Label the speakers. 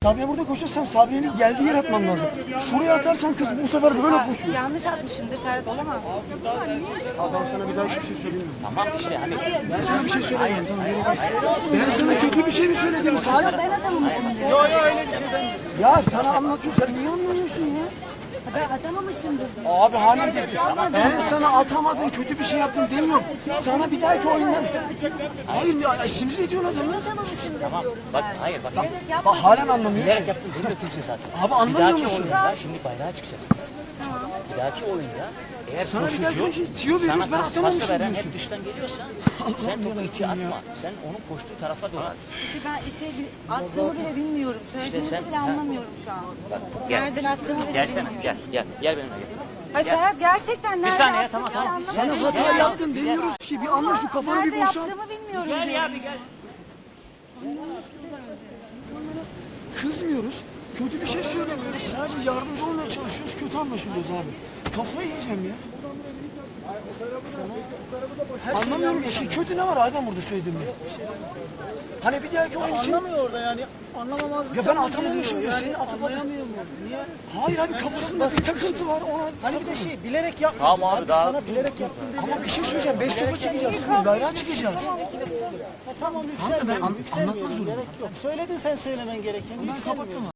Speaker 1: Sabriye burada koşuyor, sen Sabriye'nin geldiği yer atman lazım. Şuraya atarsan kız bu sefer böyle koşuyor.
Speaker 2: Yanlış atmışımdır Serhat, olamaz.
Speaker 1: Abi ben sana bir daha hiçbir şey söylemiyorum.
Speaker 3: Tamam işte hani.
Speaker 1: Ben sana bir şey söylemiyorum. Tamam, geri bak. Ben sana kötü bir şey mi söyledim? Hayır.
Speaker 2: Ben atamamışımdır.
Speaker 1: Yok öyle bir şey demiyorum. Ya sana anlatıyor, sen niye anlamıyorsun ya?
Speaker 2: Ben atamamışımdır.
Speaker 1: Abi hanım dedi. Ben sana atamadın, kötü bir şey yaptın demiyorum. Sana bir dahaki oyundan. Hayır ya, sinir ediyorsun adamı.
Speaker 2: Atamamışımdır
Speaker 3: Tamam.
Speaker 2: diyorum.
Speaker 3: Bak hayır bak.
Speaker 1: Bak halen anlamıyor.
Speaker 3: Bilerek yaptın demiyor kimse zaten.
Speaker 1: Abi anlamıyor
Speaker 3: Bir dahaki
Speaker 1: musun?
Speaker 3: oyunda şimdi bayrağa çıkacaksınız. Bir dahaki oyunda eğer
Speaker 1: Sana bir dahaki
Speaker 3: koşucu
Speaker 1: oyuncu tiyo veriyoruz, ben
Speaker 3: sana
Speaker 1: atamamışım
Speaker 3: pası veren
Speaker 1: diyorsun.
Speaker 3: hep dıştan geliyorsa sen topu içe atma. Sen onun koştuğu tarafa doğru at.
Speaker 2: İşte ben attığımı bile bilmiyorum. Söylediğinizi
Speaker 3: sen-
Speaker 2: bile anlamıyorum şu an.
Speaker 3: Gel.
Speaker 2: Nereden attığımı bile
Speaker 3: Gelsene
Speaker 2: bilmiyorum.
Speaker 3: gel benimle gel.
Speaker 2: Hayır Serhat, gerçekten nerede
Speaker 3: saniye,
Speaker 2: attığımı
Speaker 3: tamam.
Speaker 2: bile anlamıyorum.
Speaker 1: Sana hata yaptın demiyoruz ki. Bir anla şu kafanı
Speaker 2: Nerede
Speaker 1: bir boşalt.
Speaker 2: yaptığımı bilmiyorum.
Speaker 3: Gel ya bir gel.
Speaker 1: Kızmıyoruz. Kötü bir şey söylemiyoruz. Sadece yardımcı olmaya çalışıyoruz. Kötü anlaşılıyoruz abi. Kafayı yiyeceğim ya. Anlamıyorum ya. Şey, kötü ne var Adem burada söylediğimde? Hani bir dahaki oyun için...
Speaker 4: Anlamıyor orada yani. Anlamamazlık.
Speaker 1: Ya ben atamamışım diyor. Senin atamadın.
Speaker 4: Anlayamıyor mu? Niye?
Speaker 1: Hayır abi kafasında bir takıntı var. Ona
Speaker 4: Hani bir de şey bilerek yapma.
Speaker 3: Tamam abi, daha-
Speaker 4: Sana bilerek yaptın dedi.
Speaker 1: Ama bir şey söyleyeceğim. 5 topa çıkacağız. Şimdi bayrağa çıkacağız.
Speaker 4: Tamam
Speaker 1: Tamam da
Speaker 4: yükselmiyorum.
Speaker 1: ben anlatmak
Speaker 4: Yükselmiyorum.
Speaker 1: zorundayım.
Speaker 4: Gerek yok. Söyledin sen söylemen gerekeni.
Speaker 1: Ben
Speaker 4: Yükselmiyorsun.
Speaker 1: kapattım.